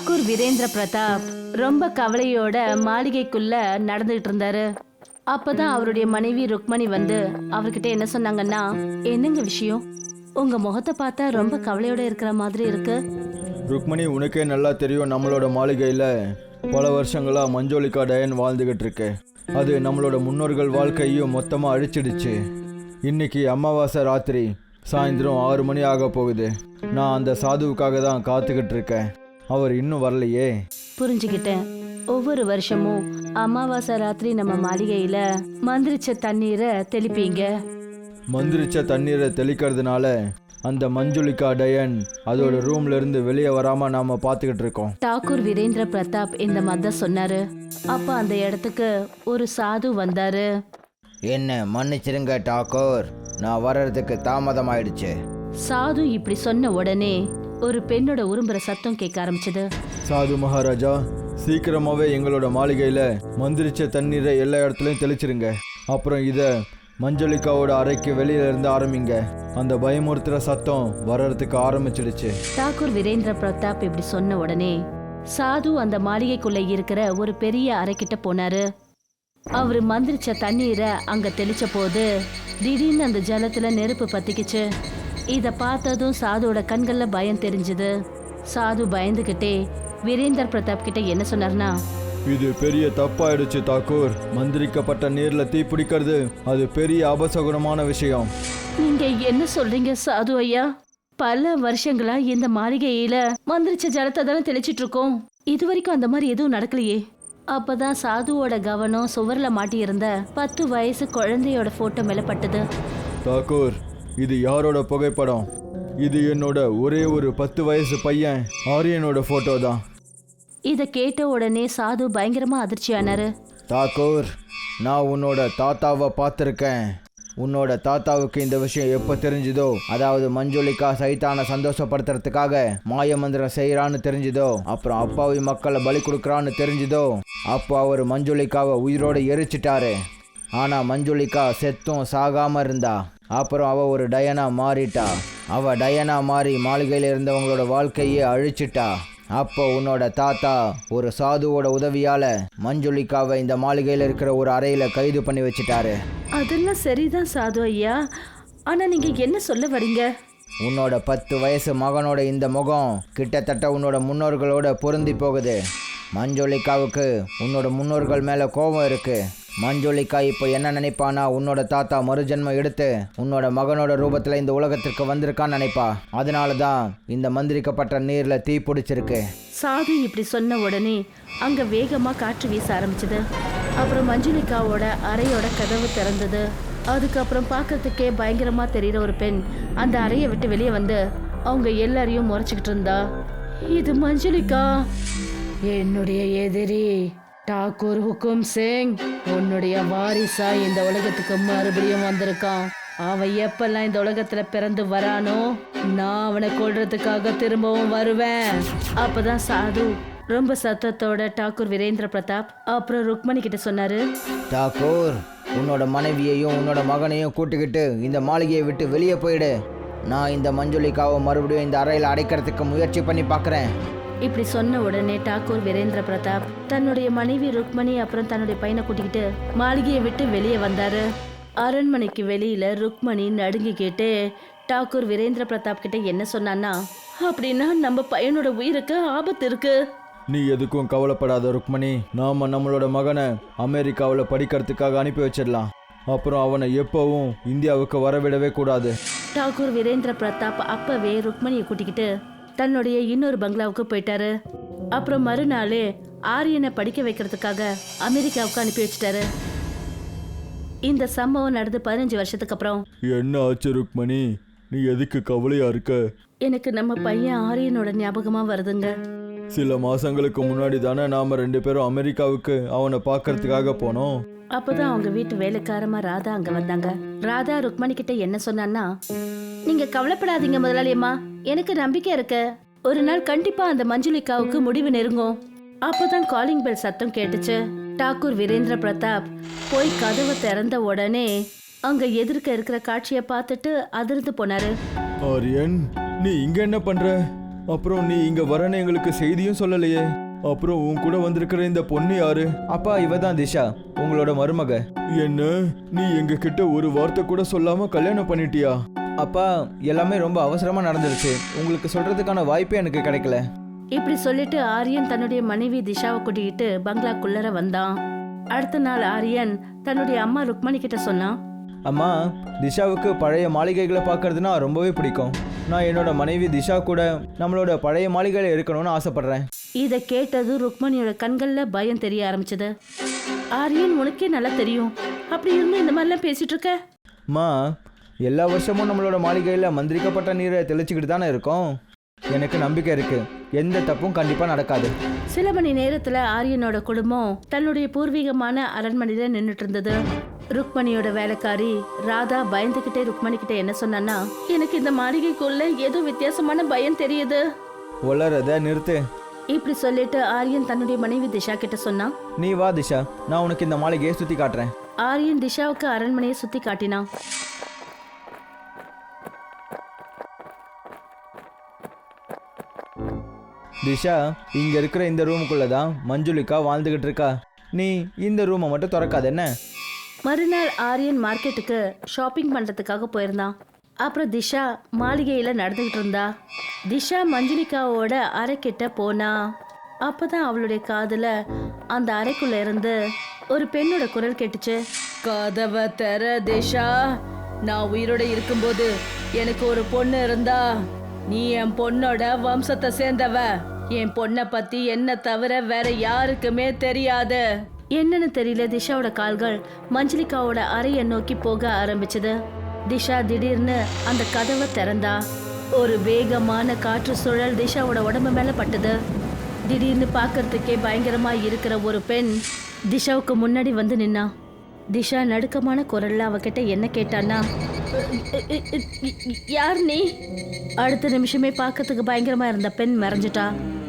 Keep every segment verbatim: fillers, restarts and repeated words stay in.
டாக்கூர் வீரேந்திர பிரதாப் ரொம்ப கவலையோட மாளிகைக்குள்ள நடந்துகிட்டு இருந்தாரு. அப்பதான் அவருடைய மனைவி ருக்மணி வந்து அவர்கிட்ட என்ன சொன்னாங்கன்னா, என்னங்க விஷயம், உங்க முகத்தை பார்த்தா ரொம்ப கவலையோட இருக்கிற மாதிரி இருக்கு. ருக்மணி, உனக்கே நல்லா தெரியும், நம்மளோட மாளிகையில் பல வருஷங்களா மஞ்சோலிகா டயன் வாழ்ந்துகிட்டு இருக்கு. அது நம்மளோட முன்னோர்கள் வாழ்க்கையும் மொத்தமாக அழிச்சிடுச்சு. இன்னைக்கு அமாவாசை ராத்திரி சாயந்தரம் ஆறு மணி ஆக போகுது. நான் அந்த சாதுவுக்காக தான் காத்துக்கிட்டு இருக்கேன். அவர் இன்னும் வரலையே. புரிஞ்சுக்கிட்டேன். ஒவ்வொரு வருஷமும் அமாவாசை ராத்திரி நம்ம மாளிகையில மந்திரிச்ச தண்ணீரை தெளிப்பீங்க. மந்திரிச்ச தண்ணீரை தெளிக்கிறதுனால அந்த மஞ்சுளிகா டயன் அதோட ரூம்ல இருந்து வெளியே வராம நாம பாத்துக்கிட்டு இருக்கோம். டாக்கூர் வீரேந்திர பிரதாப் இந்த மாதிரி சொன்னாரு. அப்ப அந்த இடத்துக்கு ஒரு சாது வந்தாரு. என்ன மன்னிச்சிருங்க டாக்கூர், நான் வர்றதுக்கு தாமதம் ஆயிடுச்சு. சாது இப்படி சொன்ன உடனே ஒரு பெண்ணோட உரும்புற சத்தம் கேட்க ஆரம்பிச்சது. சாது மகாராஜா, சீக்கிரமாவே எங்களோட மாளிகையில மந்திரிச்ச தண்ணீரை எல்லா இடத்துலயும் தெளிச்சிருங்க. அப்புறம் இத மஞ்சளிகாவோட அறைக்கு வெளியில இருந்து ஆரம்பிங்க. அந்த பயமுறுத்துற சத்தம் வர்றதுக்கு ஆரம்பிச்சிடுச்சு. டாக்கூர் வீரேந்திர பிரதாப் இப்படி சொன்ன உடனே சாது அந்த மாளிகைக்குள்ள இருக்கிற ஒரு பெரிய அறைக்கிட்ட போனாரு. அவரு மந்திரிச்ச தண்ணீரை அங்க தெளிச்ச போது திடீர்னு அந்த ஜலத்துல நெருப்பு பத்திக்குச்சு. இத பார்த்ததும் சாதுவோட கண்கள்ல பயம் தெரிஞ்சது. சாது பயந்துகிட்டே வீரேந்தர் பிரதாப் கிட்ட என்ன சொன்னார்னா, இது பெரிய தப்பாயிடுச்சு தாக்கூர். மந்திரிக்கப்பட்ட நீர்ல தீ பிடிக்கிறது அது பெரிய அபசகுனமான விஷயம். நீங்க என்ன சொல்றீங்க சாது ஐயா? பல வருஷங்களா இந்த மாளிகையில மந்திரிச்ச ஜலத்தை தானே தெளிச்சிட்டு இருக்கோம். இது வரைக்கும் அந்த மாதிரி எதுவும் நடக்கலையே. அப்பதான் சாதுவோட கவனம் சுவர்ல மாட்டி இருந்த பத்து வயசு குழந்தையோட போட்டோ மேல பட்டது. தாக்கூர், இது யாரோட புகைப்படம்? இது என்னோட ஒரே ஒரு பத்து வயசு பையன் ஆரியனோட போட்டோ தான். இத கேட்ட உடனே சாது பயங்கரமா அதிர்ச்சியானாரு. தாக்கூர், நான் உன்னோட தாத்தாவை பார்த்துருக்கேன். உன்னோட தாத்தாவுக்கு இந்த விஷயம் எப்போ தெரிஞ்சுதோ, அதாவது மஞ்சுளிகா சைத்தானை சந்தோஷப்படுத்துறதுக்காக மாய மந்திரம் செய்யறான்னு தெரிஞ்சுதோ, அப்புறம் அப்பாவி மக்களை பலி கொடுக்குறான்னு தெரிஞ்சுதோ, அப்போ அவர் மஞ்சுளிகாவை உயிரோடு எரிச்சிட்டாரு. ஆனால் மஞ்சுளிகா செத்தும் சாகாம இருந்தா. அப்புறம் அவ ஒரு டயனா மாறிட்டா. அவ டயனா மாறி மாளிகையில் இருந்தவங்களோட வாழ்க்கையே அழிச்சிட்டா. அப்போ உன்னோட தாத்தா ஒரு சாதுவோட உதவியால மஞ்சுளிகாவை இந்த மாளிகையில் இருக்கிற ஒரு அறையில கைது பண்ணி வச்சுட்டாரு. அதெல்லாம் சரிதான் சாது ஐயா, ஆனா நீங்க என்ன சொல்ல வரீங்க? உன்னோட பத்து வயசு மகனோட இந்த முகம் கிட்டத்தட்ட உன்னோட முன்னோர்களோட பொருந்தி போகுது. மஞ்சுளிகாவுக்கு உன்னோட முன்னோர்கள் மேல கோபம் இருக்கு. மஞ்சுளிகா இப்போ என்ன நினைப்பானா, உன்னோட தாத்தா மறுஜென்மம் எடுத்து உன்னோட மகனோட ரூபத்தில் இந்த உலகத்திற்கு வந்திருக்கான்னு நினைப்பா. அதனால தான் இந்த மந்திரிக்கப்பட்ட நீரில் தீ பிடிச்சிருக்கு. சாது இப்படி சொன்ன உடனே அங்க வேகமா காற்று வீச ஆரம்பிச்சது. அப்புறம் மஞ்சுளிகாவோட அறையோட கதவு திறந்தது. அதுக்கப்புறம் பார்க்கறதுக்கே பயங்கரமா தெரியுற ஒரு பெண் அந்த அறையை விட்டு வெளியே வந்து அவங்க எல்லாரையும் முறைச்சிக்கிட்டு இருந்தா. இது மஞ்சுளிகா, என்னுடைய எதிரி டாக்கூர் ஹுக்கும் சிங் உன்னுடைய வாரிசா இந்த உலகத்துக்கு மறுபடியும் வந்திருக்கான். அவன் எப்பெல்லாம் இந்த உலகத்துல பிறந்து வரானோ, நான் அவனை கொல்றதுக்காக திரும்பவும் வருவேன். அப்பதான் சாது ரொம்ப சத்தத்தோட டாக்கூர் வீரேந்திர பிரதாப் அப்புறம் ருக்மணி கிட்ட சொன்னாரு. டாக்கூர், உன்னோட மனைவியையும் உன்னோட மகனையும் கூட்டுக்கிட்டு இந்த மாளிகையை விட்டு வெளியே போயிடு. நான் இந்த மஞ்சுளிகாவை மறுபடியும் இந்த அறையில் அடைக்கிறதுக்கு முயற்சி பண்ணி பார்க்குறேன். இப்படி சொன்ன உடனே டாக்கூர் வீரேந்திர பிரதாப் தன்னுடைய மனைவி ருக்மணி அப்புறம் தன்னுடைய பையனை கூட்டிக்கிட்டு மாளிகையை விட்டு வெளியே வந்தாரு. அரண்மனைக்கு வெளியில ருக்மணி நடுங்கி கேட்டு டாக்கூர் வீரேந்திர பிரதாப் கிட்ட என்ன சொன்னான்னா, அப்படின்னா நம்ம பையனோட உயிருக்கு ஆபத்து இருக்கு. நீ எதுக்கும் கவலைப்படாத ருக்மணி. நாம நம்மளோட மகனை அமெரிக்காவில் படிக்கிறதுக்காக அனுப்பி வச்சிடலாம். அப்புறம் அவனை எப்பவும் இந்தியாவுக்கு வரவிடவே கூடாது. டாக்கூர் வீரேந்திர பிரதாப் அப்பவே ருக்மணியை கூட்டிக்கிட்டு தன்னுடைய இன்னொரு பங்களாவுக்கு போயிட்டாரு. அப்புறம் மறுநாளே ஆரியனை படிக்க வைக்கிறதுக்காக அமெரிக்காவுக்கு அனுப்பி வச்சிட்டாரு. இந்த சம்பவம் நடந்து பதினஞ்சு வருஷத்துக்கு அப்புறம். என்ன ஆச்சு ருக்மணி, நீ எதுக்கு கவலையா இருக்க? எனக்கு நம்ம பையன் ஆரியனோட ஞாபகமா வருதுங்க. சில மாசங்களுக்கு முன்னாடி தானே நாம ரெண்டு பேரும் அமெரிக்காவுக்கு அவனை பார்க்கறதுக்காக போனோம். அப்பதான் அவங்க வீட்டு வேலைக்காரமா ராதா அங்க வந்தாங்க. ராதா ருக்மணி கிட்ட என்ன சொன்னான்னா, நீங்க கவலைப்படாதீங்க முதலாளியம்மா, எனக்கு நம்பிக்கை இருக்கு. ஒரு நாள் கண்டிப்பா அந்த மஞ்சுளிகாவுக்கு முடிவு நெருங்கும். அப்பதான் காலிங் பெல் சத்தம் கேட்டுச்சு. டாக்கூர் வீரேந்திர பிரதாப் போய் கதவை திறந்த உடனே அங்க எதிர்க்க இருக்கிற காட்சியை பார்த்துட்டு அதிர்ந்து போனாரு. ஆரியன், நீ இங்க என்ன பண்ற? அப்புறம் நீ இங்க வரன்னு எங்களுக்கு செய்தியும் சொல்லலையே. அப்புறம் உன் கூட வந்திருக்கிற இந்த பொண்ணு யாரு? அப்பா, இவ தான் திஷா, உங்களோட மருமக. என்ன, நீ எங்க கிட்ட ஒரு வார்த்தை கூட சொல்லாம கல்யாணம் பண்ணிட்டியா? அப்பா, எல்லாமே ரொம்ப அவசரமா நடந்துருச்சு. உங்களுக்கு சொல்றதுக்கான வாய்ப்பே எனக்கு கிடைக்கல. இப்படி சொல்லிட்டு ஆரியன் தன்னுடைய மனைவி திஷாவை கூட்டிக்கிட்டு பங்களாக்குள்ளர வந்தான். அடுத்த நாள் ஆரியன் தன்னுடைய அம்மா ருக்மணி கிட்ட சொன்னான். அம்மா, திஷாவுக்கு பழைய மாளிகைகளை பார்க்கறதுனா ரொம்பவே பிடிக்கும். நான் என்னோட மனைவி திஷா கூட நம்மளோட பழைய மாளிகையில் இருக்கணும்னு ஆசைப்படுறேன். இதை கேட்டது ருக்மணியோட கண்கள்ல பயம் தெரிய ஆரம்பிச்சது. ஆரியன், உனக்கே நல்லா தெரியும், அப்படி இருந்து இந்த மாதிரிலாம் பேசிட்டு இருக்க? அம்மா, எல்லா வருஷமும் நம்மளோட மாளிகையில் மந்திரிக்கப்பட்ட நீரை தெளிச்சுக்கிட்டு தானே இருக்கோம். எனக்கு நம்பிக்கை இருக்கு, எந்த தப்பும் கண்டிப்பா நடக்காது. சில மணி நேரத்துல ஆரியனோட குடும்பம் தன்னுடைய பூர்வீகமான அரண்மனையில நின்றுட்டு இருந்தது. ருக்மணியோட வேலைக்காரி ராதா பயந்துகிட்டே ருக்மணி கிட்ட என்ன சொன்னான்னா, எனக்கு இந்த மாளிகைக்குள்ள ஏதோ வித்தியாசமான பயம் தெரியுது. வளரத நிறுத்து. இப்படி சொல்லிட்டு ஆரியன் தன்னுடைய மனைவி திஷா கிட்ட சொன்னான். நீ வா திஷா, நான் உனக்கு இந்த மாளிகையை சுத்தி காட்டுறேன். ஆரியன் திஷாவுக்கு அரண்மனையை சுத்தி காட்டினான். திஷா, இங்க இருக்கிற இந்த ரூமுக்குள்ள தான் மஞ்சுளிகா வாழ்ந்துகிட்டு இருக்கா. நீ இந்த ரூமை மட்டும் திறக்காத என்ன? மறுநாள் ஆரியன் மார்க்கெட்டுக்கு ஷாப்பிங் பண்றதுக்காக போயிருந்தான். அப்புறம் திஷா மாளிகையில நடந்துகிட்டு இருந்தா. திஷா மஞ்சுளிகாவோட அறைக்கிட்ட போனா. அப்பதான் அவளுடைய காதுல அந்த அறைக்குள்ள இருந்து ஒரு பெண்ணோட குரல் கேட்டுச்சு. கதவை தர திஷா, நான் உயிரோட இருக்கும்போது எனக்கு ஒரு பொண்ணு இருந்தா. நீ என் பொண்ணோட வம்சத்தை சேர்ந்தவ. என் பொண்ணை பத்தி என்ன தவிர வேற யாருக்குமே தெரியாது. என்னன்னு தெரியல, திஷாவோட கால்கள் மஞ்சளிகாவோட அறையை நோக்கி போக ஆரம்பிச்சது. திஷா திடீர்னு அந்த கதவை திறந்தா. ஒரு வேகமான காற்று சுழல் திஷாவோட உடம்பு மேல பட்டது. திடீர்னு பார்க்கறதுக்கே பயங்கரமா இருக்கிற ஒரு பெண் திஷாவுக்கு முன்னாடி வந்து நின்னா. திஷா நடுக்கமான குரல்ல அவகிட்ட என்ன கேட்டான்னா, யார் நீ? அடுத்த நிமிஷமே பார்க்கறதுக்கு பயங்கரமா இருந்த பெண் மறைஞ்சிட்டா.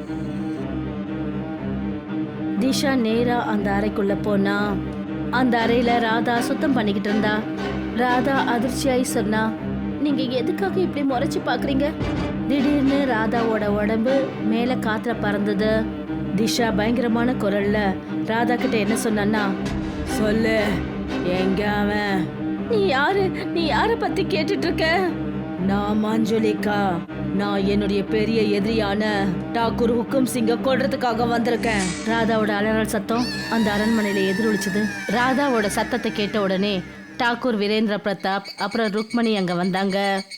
திஷா நேரா அந்த அறைக்குள்ள போனா. அந்த அறையில ராதா சுத்தம் பண்ணிக்கிட்டு இருந்தா. ராதா அதிர்ச்சியாய் சொன்னா, நீங்க எதுக்காக இப்படி முறைச்சு பாக்குறீங்க? திடீர்னு ராதாவோட உடம்பு மேல காத்துல பறந்தது. திஷா பயங்கரமான குரல்ல ராதா கிட்ட என்ன சொன்னான்னா, சொல்லு, எங்க அவன்? நீ யாரு? நீ யார பத்தி கேட்டுட்டு இருக்க? நான் மஞ்சுளிகா. நான் என்னுடைய பெரிய எதிரியான டாக்கூர் ஹுக்கும் சிங்க கொல்றதுக்காக வந்திருக்கேன். ராதாவோட அலறல் சத்தம் அந்த அரண்மனையில எதிரொலிச்சது. ராதாவோட சத்தத்தை கேட்ட உடனே டாக்கூர் வீரேந்திர பிரதாப் அப்புறம் ருக்மணி அங்க வந்தாங்க.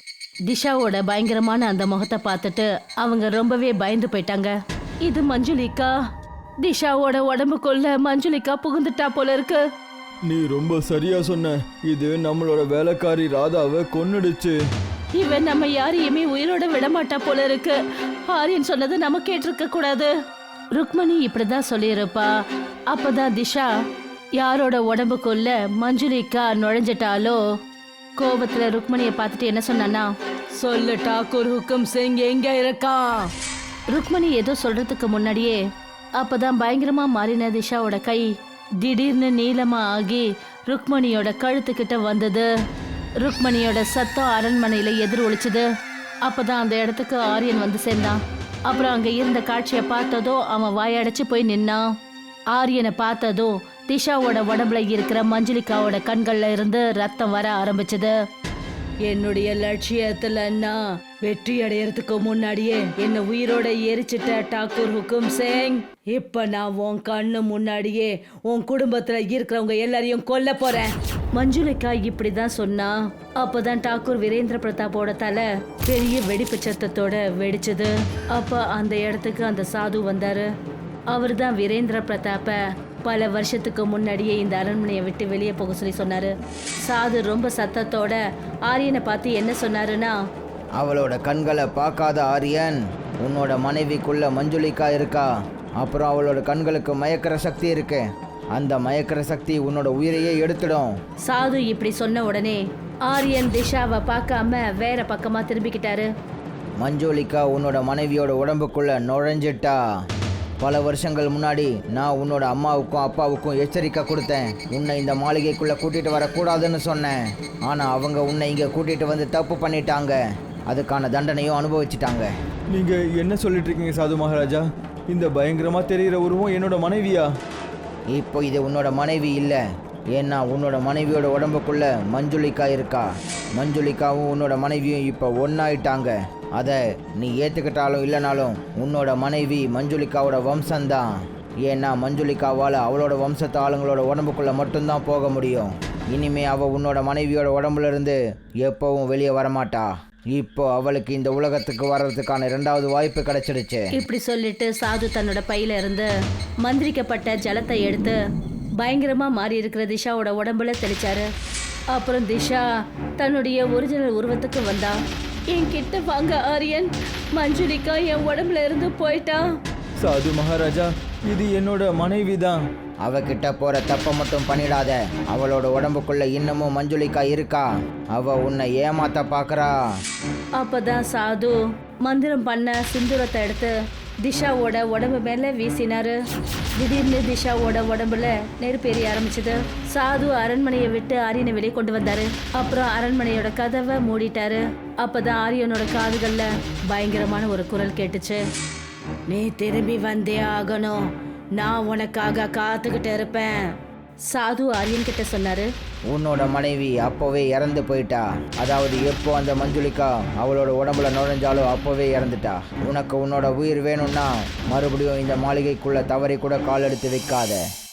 திஷாவோட பயங்கரமான அந்த முகத்தை பார்த்துட்டு அவங்க ரொம்பவே பயந்து போயிட்டாங்க. இது மஞ்சுளிகா. திஷாவோட உடம்புக்குள்ள மஞ்சுளிகா புகுந்துட்டா போல இருக்கு. நீ ரொம்ப சரியா சொன்ன. இது நம்மளோட வேலைக்காரி ராதாவை கொன்னுடுச்சு. இவன் நம்ம யாரையுமே உயிரோட விடமாட்டா போல இருக்கு. ஆரியன் சொன்னது நம்ம கேட்டிருக்க கூடாது. ருக்மணி இப்படிதான் சொல்லியிருப்பா. அப்பதான் திஷா யாரோட உடம்புக்குள்ள மஞ்சுளிகா நுழைஞ்சிட்டாலோ. கோபத்துல ருக்மணியை பார்த்துட்டு என்ன சொன்னானா, சொல்லு, டாக்கூர் ஹுக்கும் சிங் எங்க இருக்கா? ருக்மணி ஏதோ சொல்றதுக்கு முன்னாடியே அப்பதான் பயங்கரமா மாறின திஷாவோட கை திடீர்னு நீளமா ஆகி ருக்மணியோட கழுத்துக்கிட்ட வந்தது. ருக்மணியோட சத்தம் அரண்மனையில எதிர் ஒலிச்சுது. அப்பதான் அந்த இடத்துக்கு ஆரியன் வந்து சேர்ந்தான். அப்புறம் அங்க இருந்த காட்சியை பார்த்ததோ அவன் வாயடைச்சு போய் நின்னான். ஆரியனை பார்த்ததோ திஷாவோட உடம்புல இருக்கிற மஞ்சுளிகாவோட கண்கள்ல இருந்து ரத்தம் வர ஆரம்பிச்சது. என்னுடைய லட்சியத்துல நான் வெற்றி அடையறதுக்கு முன்னாடியே என்ன உயிரோட எரிச்சிட்ட டாக்கூர் ஹுக்கும் சிங். இப்ப நான் உன் கண்ணு முன்னாடியே உன் குடும்பத்துல இருக்கிறவங்க எல்லாரையும் கொல்ல போறேன். மஞ்சுளிகா இப்படிதான் சொன்னா. அப்பதான் டாக்கூர் வீரேந்திர பிரதாப்போட தலை பெரிய வெடிப்பு சத்தத்தோட வெடிச்சது. அப்ப அந்த இடத்துக்கு அந்த சாது வந்தாரு. அவர் தான் வீரேந்திர பிரதாப்ப பல வருஷத்துக்கு முன்னாடியே இந்த அரண்மனையை விட்டு வெளியே போக சொல்லி சொன்னாரு. சாது ரொம்ப சத்தத்தோட ஆரியனை பார்த்து என்ன சொன்னாருன்னா, அவளோட கண்களை பார்க்காத ஆரியன், உன்னோட மனைவிக்குள்ள மஞ்சுளிகா இருக்கா. அப்புறம் அவளோட கண்களுக்கு மயக்கிற சக்தி இருக்கு. அந்த மயக்கிற சக்தி உன்னோட உயிரையே எடுத்துடும். சாது இப்படி சொன்ன உடனே ஆரியன் திஷாவை பார்க்காம வேற பக்கமா திரும்பிக்கிட்டாரு. மஞ்சுளிகா உன்னோட மனைவியோட உடம்புக்குள்ள நுழைஞ்சிட்டா. பல வருஷங்கள் முன்னாடி நான் உன்னோட அம்மாவுக்கும் அப்பாவுக்கும் எச்சரிக்கை கொடுத்தேன். உன்னை இந்த மாளிகைக்குள்ளே கூட்டிகிட்டு வரக்கூடாதுன்னு சொன்னேன். ஆனால் அவங்க உன்னை இங்கே கூட்டிகிட்டு வந்து தப்பு பண்ணிட்டாங்க. அதுக்கான தண்டனையும் அனுபவிச்சிட்டாங்க. நீங்க என்ன சொல்லிட்டு இருக்கீங்க சாது மகாராஜா? இந்த பயங்கரமா தெரிகிற உருவம் என்னோட மனைவியா? இப்போ இது உன்னோட மனைவி இல்லை, ஏன்னா உன்னோட மனைவியோட உடம்புக்குள்ள மஞ்சுளிக்கா இருக்கா. மஞ்சுளிக்காவும் உன்னோட மனைவியும் இப்போ ஒன்றாயிட்டாங்க. அதை நீ ஏற்றுக்கிட்டாலும் இல்லைனாலும் உன்னோட மனைவி மஞ்சுளிக்காவோட வம்சம்தான். ஏன்னா மஞ்சுளிக்காவால் அவளோட வம்சத்து ஆளுங்களோட உடம்புக்குள்ளே மட்டும்தான் போக முடியும். இனிமே அவள் உன்னோட மனைவியோட உடம்புல இருந்து எப்பவும் வெளியே வரமாட்டா. இப்போ அவளுக்கு இந்த உலகத்துக்கு வர்றதுக்கான இரண்டாவது வாய்ப்பு கிடைச்சிடுச்சு. இப்படி சொல்லிட்டு சாது தன்னோட பையில இருந்து மந்திரிக்கப்பட்ட ஜலத்தை எடுத்து பயங்கரமா மாறி இருக்கிற திஷாவோட உடம்புல தெளிச்சாரு. அப்புறம் திஷா தன்னுடைய ஒரிஜினல் உருவத்துக்கு வந்தா. என்கிட்ட வாங்க ஆரியன், மஞ்சுளிக்கா என் உடம்புல இருந்து போயிட்டா. சாது மகாராஜா, இது என்னோட மனைவி தான். அவகிட்ட போற தப்ப மட்டும் பண்ணிடாத. அவளோட உடம்புக்குள்ள இன்னமும் மஞ்சுளிக்கா இருக்கா. அவ உன்னை ஏமாத்த பாக்குறா. அப்பதான் சாது மந்திரம் பண்ண சிந்துரத்தை எடுத்து திஷாவோட உடம்பு மேல வீசினாரு. திடீர்னு திஷாவோட உடம்புல நெருப்பு எரிய ஆரம்பிச்சது. சாது அரண்மனையை விட்டு ஆரியனை வெளியே கொண்டு வந்தாரு. அப்புறம் அரண்மனையோட கதவை மூடிட்டாரு. அப்பதான் ஆரியனோட காதுகள்ல பயங்கரமான ஒரு குரல் கேட்டுச்சு. நீ திரும்பி வந்தே ஆகணும், நான் உனக்காக காத்துக்கிட்டு இருப்பேன். சாது ஆரியன் கிட்ட சொன்னாரு. உன்னோட மனைவி அப்போவே இறந்து போயிட்டா. அதாவது எப்போ அந்த மஞ்சுளிக்கா அவளோட உடம்புல நுழைஞ்சாலோ அப்போவே இறந்துட்டா. உனக்கு உன்னோட உயிர் வேணும்னா மறுபடியும் இந்த மாளிகைக்குள்ள தவறி கூட கால் எடுத்து வைக்காத.